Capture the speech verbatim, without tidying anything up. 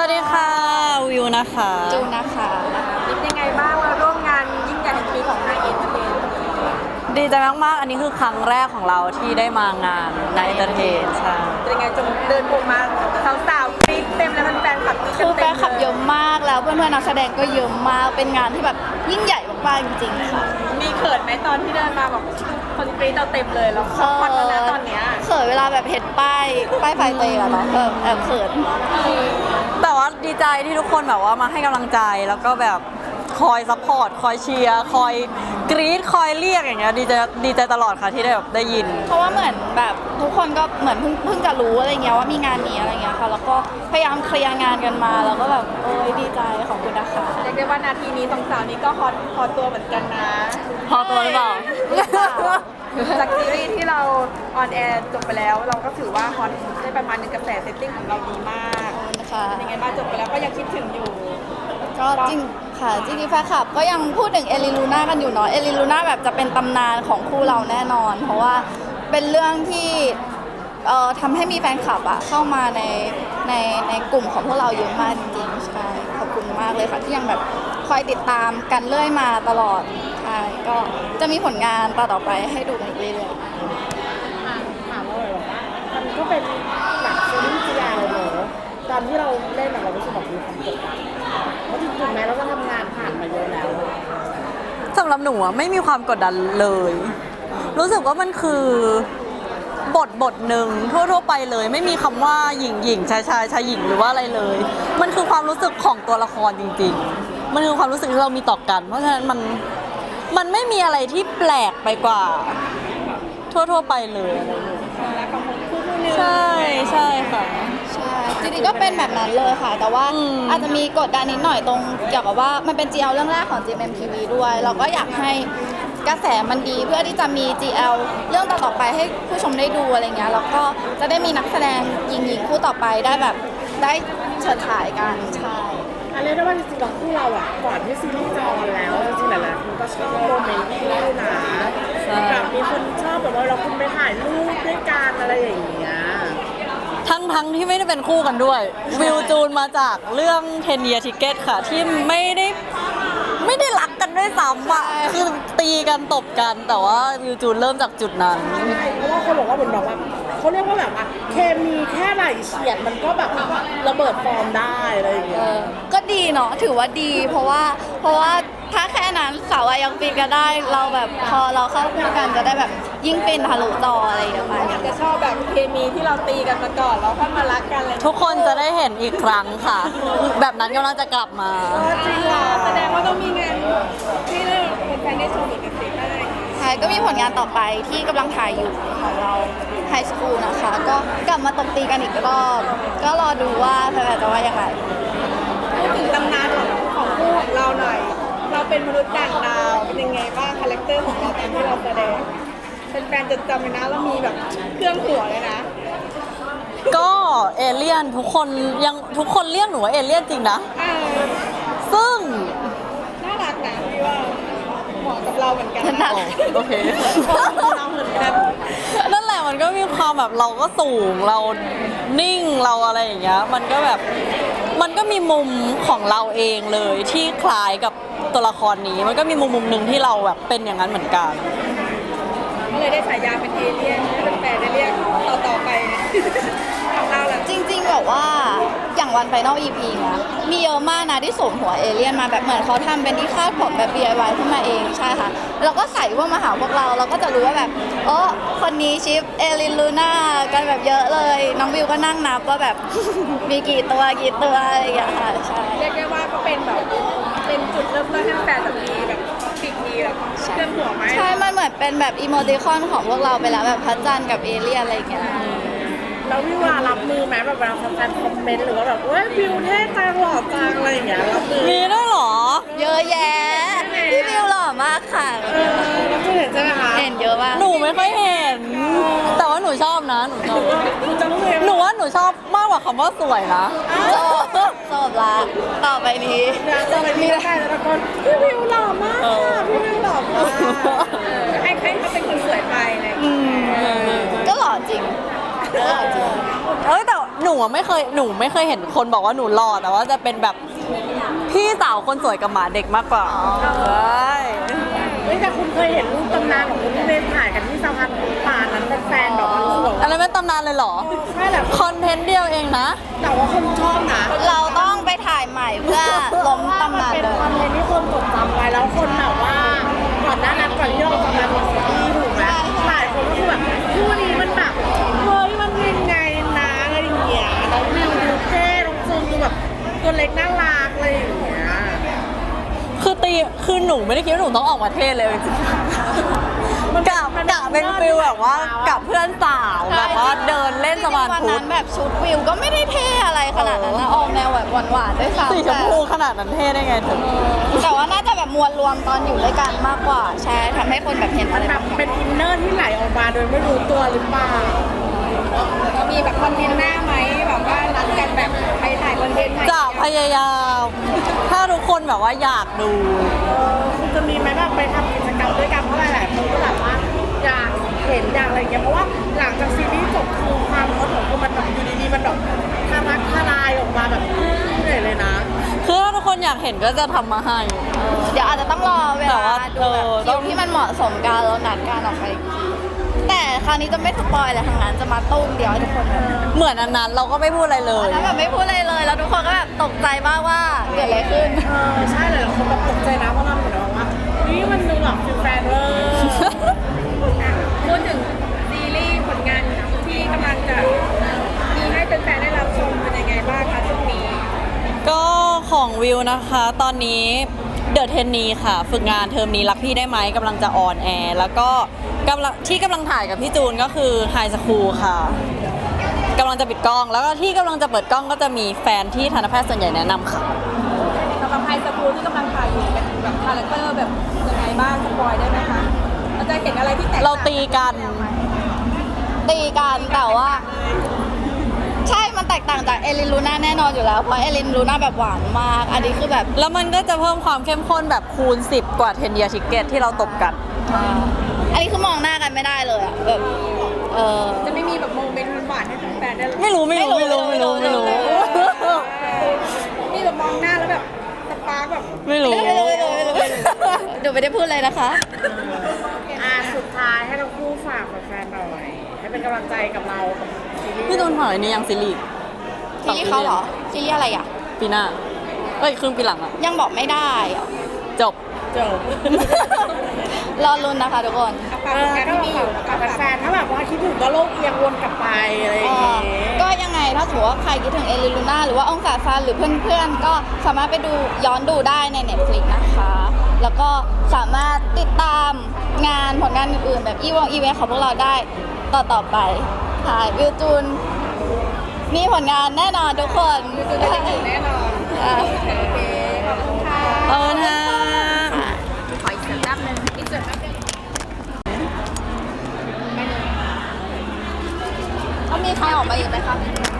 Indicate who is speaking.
Speaker 1: วัสดีค่ะวิวนะคะ
Speaker 2: จูนะคะ
Speaker 3: เป็นยังไงบ้างมาร่วมงานยิ่งใหญ่แห่งปีของนายเอ็นเตอร์เทน
Speaker 1: ดีใจมากๆอันนี้คือครั้งแรกของเราที่ได้มางานในเอนเตอร์เทนใช่
Speaker 3: เป็นยังไงจงเดินพงมาสาวๆกรี๊ดเต็มแล้วแฟนๆขับ
Speaker 2: คือแฟนคลับเยอะมากแล้วเพื่อนๆนักแสดงก็เยอะมากเป็นงานที่แบบยิ่งใหญ่มากๆจริงๆค่ะ
Speaker 3: มีเขินไหมตอนที่เดินมาแบบคนกรี๊ดเราเต็มเลยแล้วคอนแล้วนะตอนเนี้ย
Speaker 2: เขินเวลาแบบเห็นป้ายป้ายไฟเตยอะเนาะแบบแอบเขิน
Speaker 1: แต่ว่าดีใจที่ทุกคนแบบว่ามาให้กำลังใจแล้วก็แบบคอยซัพพอร์ตคอยเชียร์คอยกรี๊ดคอยเรียกอย่างเงี้ยดีใจดีใจตลอดค่ะที่ได้แบบได้ยิน
Speaker 2: เพราะว่าเหมือนแบบทุกคนก็เหมือนเพิ่งเพิ่งจะรู้อะไรเงี้ยว่ามีงานนี้อะไรเงี้ยค่ะแล้วก็พยายามเคลียร์งานกันมาแล้วก็แบบโอ้ยดีใจขอบคุณนะคะ
Speaker 3: เรียกได้ว่านาทีนี้สองสาวนี้ก็ฮอตฮอตตัวเหมือนกันนะ
Speaker 1: ฮอตตัวหรือเปล่า
Speaker 3: จากซีรีส์ที่เราออนแอร์จบไปแล้วเราก็ถือว่าฮอตได้ประมาณนึงกระแสเซตติ้งของเราดีมากเป็นยังไงบ้างจบไปแล้วก็ยังคิดถึงอยู่
Speaker 2: ก็จริงค่ะจริงๆแฟนคลับก็ยังพูดถึงเอลิลูน่ากันอยู่เนาะเอลิลูน่าแบบจะเป็นตำนานของคู่เราแน่นอนเพราะว่าเป็นเรื่องที่เอ่อทำให้มีแฟนคลับอะเข้ามาในในในกลุ่มของพวกเราเยอะมากจริงๆใช่ขอบคุณมากเลยค่ะที่ยังแบบคอยติดตามกันเรื่อยมาตลอดใช่ก็จะมีผลงานต่อต่อไปให้ดูกันอีกเรื่อย
Speaker 4: ๆถามเราเลยว่ามันก็เป็นหนังซีรีส์จีไอเนอะตอนที่เราเล่นเรารู้สึกแบบมีความกดดันเพราะจริงๆแม้เราก็ทำงานผ่านมาเยอะแล้ว
Speaker 1: สำหรับหนูอะไม่มีความกดดันเลย รู้สึกว่ามันคือบทบทหนึ่งทั่วๆไปเลยไม่มีคำว่าหญิงหญิงชายชายชายหญิงหรือว่าอะไรเลย มันคือความรู้สึกของตัวละครจริงๆมันคือความรู้สึกที่เรามีต่อกันเพราะฉะนั้นมันมันไม่มีอะไรที่แปลกไปกว่าทั่วๆไปเลยใช่ใช่ค่ะ
Speaker 2: ใช่จริงๆก็เป็นแบบนั้นเลยค่ะแต่ว่าอาจจะมีกดดันนิดหน่อยตรงเกี่ยวกับว่ามันเป็น จี แอล เรื่องแรกของ จี เอ็ม เอ็ม ที วี ด้วยเราก็อยากให้กระแสมันดีเพื่อที่จะมี จี แอล เรื่องต่อๆไปให้ผู้ชมได้ดูอะไรเงี้ยแล้วก็จะได้มีนักแสดงหญิงๆคู่ต่อไปได้แบบได้เฉิดฉายกันใช่
Speaker 4: อันนี้ได้ว่าจริงๆเราคู่เราอ่ะก่อนที่ซีรีส์จะออนแล้วจริงๆหลายๆคนก็ชอบโมเมนต์คู่นะแบบมีคนชอบแบบว่าเราคุณไปถ่ายรูปด้วยกันอะไรอย่างเงี้ย
Speaker 1: ทั้งทั้งที่ไม่ได้เป็นคู่กันด้วยวิวจูนมาจากเรื่อง ten year ticket ค่ะที่ไม่ได้ไม่ได้รักกันด้วยซ้ำอ่ะคือตีกันตบกันแต่ว่าวิวจูนเริ่มจากจุดนั้น
Speaker 4: เพราะว่าคนบอกว่าเหมือนแบบว่าเขาเรียกว่าแบบว่าเคมีแค่ไหลเฉียดมันก็แบบระเบิดฟอร์มได้อะไรอย่างเงี้ย
Speaker 2: ก็ดีเนาะถือว่าดีเพราะว่าเพราะว่าถ้าแค่นั้นสาวยังฟินกันได้เราแบบพอเราเข้าคู่กันจะได้แบบยิ่งฟินทะลุจออะไรอย่างเงี้ย
Speaker 3: จะชอบแบบเคมีที่เราตีกันมาก่อนแล้วค่อยมารักกันเลย
Speaker 1: ทุกคนจะได้เห็นอีกครั้งค่ะแบบนั้นกำลังจะกลับมา
Speaker 3: จริงเหรอแสดงว่าต้องมีงานที่เราเป็นแฟนได้ชมอีกกันสิได้
Speaker 2: ใช่ก็มีผลงานต่อไปที่กำลังถ่ายอยู่ของเราไฮสคูลนะคะก็กลับมาตบตีกันอีกรอบก็รอดูว่าแฟนๆจะว่ายังไง
Speaker 3: พูดถึงตำนานของของคู่ของเราหน่อยเราเป็นมนุษย์ต่างดาวเป็นยังไงบ้างคาแรคเตอร์ของเราตอนที่เราแสดงเป็นแฟนจะจำเลยนะเรามีแบบเครื่องหัวเลยนะ
Speaker 1: ก็เอเลี่ยนทุกคนยังทุกคนเรียกหนูว่าเอเลี่ยนจริงนะซึ่ง
Speaker 3: น่ารักนะพี่ว่าเหมาะกับเราเหมือนกัน
Speaker 1: นะโอเค
Speaker 3: เราเหมือนกัน
Speaker 1: นั่นแหละมันก็มีความแบบเราก็สูงเรานิ่งเราอะไรอย่างเงี้ยมันก็แบบมันก็มีมุมของเราเองเลยที่คล้ายกับตัวละครนี้มันก็มีมุมมุมหนึ่งที่เราแบบเป็นอย่างนั้นเหมือนกัน
Speaker 3: ก็เลยได้ฉายาเป็นเอเลี่ยนให้เป็นแฟนได้เรียกต่อต่อไปของเราแหละ
Speaker 2: จริงๆแบบว่าอย่างวันไฟนอล อี พี นะมีเยอะมากนะที่สวมหัวเอเลี่ยนมาแบบเหมือนเขาทำเป็นที่คาดผมแบบ ดี ไอ วาย ขึ้นมาเองใช่ค่ะแล้วก็ใส่พวกมาหาพวกเราเราก็จะรู้ว่าแบบโอ้คนนี้ชิปเอลินลูน่ากันแบบเยอะเลยน้องวิวก็นั่งนับว่าแบบมีกี่ตัวกี่ตัวอะไรอย่างเงี้ยค่ะใช่
Speaker 3: เรียกได้ว่าก็เป็นแบบเป็นจุดเริ่มต้นให้แฟนแบบมีแบบปีกมีแบบเครื่องหัวไหม
Speaker 2: ใช่มันเหมือนเป็นแบบอีโมติคอนของพวกเราไปแล้วแบบพระจันทร์กับเอเลี่ยนอะไรอย่างเงี้ย
Speaker 4: แล้ววิวารับมือไหมแบบเวลาแฟนคอมเมนต์หรือว่าแบบเว้ยวิวเท่จังหล่อจังอะไรอย่างเงี้ยรับมือ
Speaker 1: มีด้วยหรอ
Speaker 2: เยอะแยะพี่วิวหล่อมากค่ะ
Speaker 4: เออรับมือเห็นใช่ไหมคะ
Speaker 2: เห็นเยอะมาก
Speaker 1: หนูไม่ค่อยเห็นแต่ว่าหนูชอบนะหนูชอบหนูว่าหนูชอบมากกว่าคำว่าสวยนะ
Speaker 2: ชอบชอบละต่อไปนี้
Speaker 4: จะไปมีใครแล้วก็พี่วิวหล่อมากค่ะพี่วิวหล่อมาก
Speaker 3: ให้ให้เขาเป็นคนสวยไปเลย
Speaker 2: ก็หล่อจริง
Speaker 1: เอ้ยแต่หนูอะไม่เคยหนูไม่เคยเห็นคนบอกว่าหนูหล่อแต่ว่าจะเป็นแบบพี่สาวคนสวยกับหมาเด็กมากกว่าใช่
Speaker 4: เฮ้ยแต่คุณเคยเห็นรูปตำนานของคุณที่เล่นถ่ายกันที่สะพานป่านั้นเป็นแฟนแบบว่ารู้สึกว่า
Speaker 1: อันนั้นเป็นตำนานเลยเหรอ
Speaker 4: ใช่แหละ
Speaker 1: คอนเทนต์เดียวเองนะ
Speaker 4: แต่ว่าคนชอบนะ
Speaker 2: เราต้องไปถ่ายใหม่เพื่อล้มตำนาน
Speaker 4: เป็น
Speaker 2: เลย
Speaker 4: คอนเทนต์ที่คนจดจำไว้แล้วคนแบบว่าก่อนหน้านั้นก่อนที่เราจะมาเป็นซีรีส์ถูกไหมหลายคนก็คือแบบคู่นี้มันแบบเฮ้ยมันยังไงนะอะไรอย่างเงี้ยน้องวิวดูเท่น้องจูนดูแบบตัวเล็กน่ารักอะไรอย่างเงี้ย
Speaker 1: คือตีคือหนูไม่ได้คิดว่าหนูต้องออกมาเทศเลยจริงๆกะกะเป็นฟิลแบบว่ากับเพื่อนสาวแบบว่าเดินเล่นสะพาน
Speaker 2: วัน
Speaker 1: พุท
Speaker 2: นั้
Speaker 1: ธ
Speaker 2: นแบบชุดวิวก็ไม่ได้เท่อะไรขนาดนั้นนะออกแนวแบบหวานๆด้วยซ้ำ
Speaker 1: สีชมพูขนาดนั้นเท่ได้ไงเธอ
Speaker 2: แต่ว่าน่าจะแบบมวลรวมตอนอยู่ด้วยกันมากกว่าใช่ทำให้คนแบบเห็น
Speaker 4: มั
Speaker 2: อะ
Speaker 4: น
Speaker 2: ไร
Speaker 4: แบบเป็นอินเนอร์ที่ไหลออกมาโดยไม่รู้ตัวหรือเปล่า
Speaker 3: มีแบบคอนเทนต์หน้าไหมแบบว่านัดกันแบบไปถ่ายคอนเทนต์ใหม่
Speaker 1: จะพยายาม ถ้าทุกคนแบบว่าอยากดู
Speaker 4: เออคุณจะมีไหมแบบไปทำกิจกรรมด้วยกันเพราะหลายๆคนก็แบบว่าอยากเห็นอยากอะไรอย่างเงี้ยเพราะว่าหลังจากซีรีส์จบคือความฮอตของคุณมันแบบอยู่ดีๆมันแบบทารักทลายออกมาแบบเหนื่อยเลยนะ
Speaker 1: คือถ้าทุกคนอยากเห็นก็จะทำมาให้
Speaker 2: เดี๋ยวอาจจะต้องรอเว
Speaker 1: แต่
Speaker 2: ลา
Speaker 1: ว่า
Speaker 2: ดูแบบ
Speaker 1: เออต้
Speaker 2: คิ
Speaker 1: อ
Speaker 2: ว
Speaker 1: ง
Speaker 2: ที่มันเหมาะสมกันแล้วนัดกันออกไปอีกทีแต่คราวนี้จะไม่สปอยอะไรทั้งนั้นจะมาตุ้มเดียวให้ทุกคนแบบ
Speaker 1: เหมือนอันนั้นเราก็ไม่พูดอะไรเลย
Speaker 2: แล้วแบบไม่พูดอะไรเลย แล้วทุกคนก็แบบตกใจมากว่าเกิดอะไรขึ้น
Speaker 4: เออใช่เลยคนแบบตกใจนะเพราะเราเหมือนแบบว่านี่มันดูแบบฟิลแฟนเวอร์
Speaker 3: พูดถึงซีรีส์ผลงานที่กำลังจะมีให้แฟนๆได้รับชมเป็นยังไงบ้างคะช่วงนี้
Speaker 1: ก็ของวิวนะคะ ตอนนี้เดอะเทนนีค่ะ ฝึกงานเทอมนี้รักพี่ได้ไหมกำลังจะออนแอร์แล้วก็กำลังที่กำลังถ่ายกับพี่จูนก็คือไฮสคูลค่ะกำลังจะปิดกล้อง แล้วก็ที่กำลังจะเปิดกล้องก็จะมีแฟนที่ทันตแพทย์ส่วนใหญ่แนะนำค่ะ
Speaker 3: สำหรับไฮสคูลที่กำลังถ่ายอยู่เป็นแบบคาแรคเตอร์แบบยังไงบ้างสปอยได้ไหมคะเราจะเห็นอะไรที่แตก
Speaker 1: เรา
Speaker 3: ต่าง
Speaker 1: ตีกัน
Speaker 2: ตีกันแต่ว่า ใช่มันแตกต่างจากเอลินลูน่าแน่นอนอยู่แล้วเพราะเอลินลูน่าแบบหวานมาก อันนี้คือแบบ
Speaker 1: แล้วมันก็จะเพิ่มความเข้มข้นแบบคูณสิบกว่าเทนเดียทิเกตที่เราตบกัน
Speaker 2: อันนี้คือมองหน้ากันไม่ได้เลยอะแบบเออ
Speaker 3: จะไม่มีแบบโมเมนต์หวานๆให้แฟนๆได้
Speaker 1: ไม่รู้ไม่รู้ไม่รู้ไม่รู้ไม่รู้
Speaker 3: มีแบบมองหน้าแล้วแบบสปาร์กแบบ
Speaker 1: ไม่รู้
Speaker 2: ไม่รู้ไม่รู้ไม่รู้ไม่รู้เดี๋ยวไม่ได้พูดเลยนะคะ
Speaker 4: อ่ะสุดท้ายให้ทั้งคู่ฝากแฟนๆหน่อยให้เป็นกำลังใจกับเรากับซีรีส์
Speaker 1: พี่ตูนถอยนี่ยังซีรีส์
Speaker 2: ซีรีส์เขาเหรอซีรีส์อะไรอ่ะ
Speaker 1: ปีหน้าเอ้ยครึ่งปีหลังอะ
Speaker 2: ยังบอกไม่ได้อะ
Speaker 1: จบ
Speaker 4: จบ
Speaker 2: รอลุ้นนะคะทุกคน
Speaker 3: ฝากผลงานที่มีอยู่นะ
Speaker 4: กั
Speaker 3: คะ
Speaker 4: บแฟนๆถ้าแบบว่าคิดถึงก็โลกเอียงวนกลับไปอะไรอย่าง
Speaker 2: เอ่อ
Speaker 4: เงี้ย
Speaker 2: ก็ยังไงถ้าสมมติว่าใครคิดถึงเอลิลูน่าหรือว่าองศาฟันหรือเพื่อนๆ ก็สามารถไปดูย้อนดูได้ใน Netflix นะคะ แล้วก็สามารถติดตามงานผลงานอื่นๆ แบบอีวงอีเวนต์ของพวกเราได้ต่อๆไปค่ะวิวจูนมีผลงานแน่นอนทุกคน
Speaker 3: จะได้เห็นแน่นอน
Speaker 2: อ่ะ
Speaker 3: โอเคขอบคุณค่ะ
Speaker 1: เออนะ
Speaker 3: ขออีกสักแป๊บนึงอีกสักแป๊บนึง
Speaker 2: ต้องมีใครออกมาอีกไหมคะ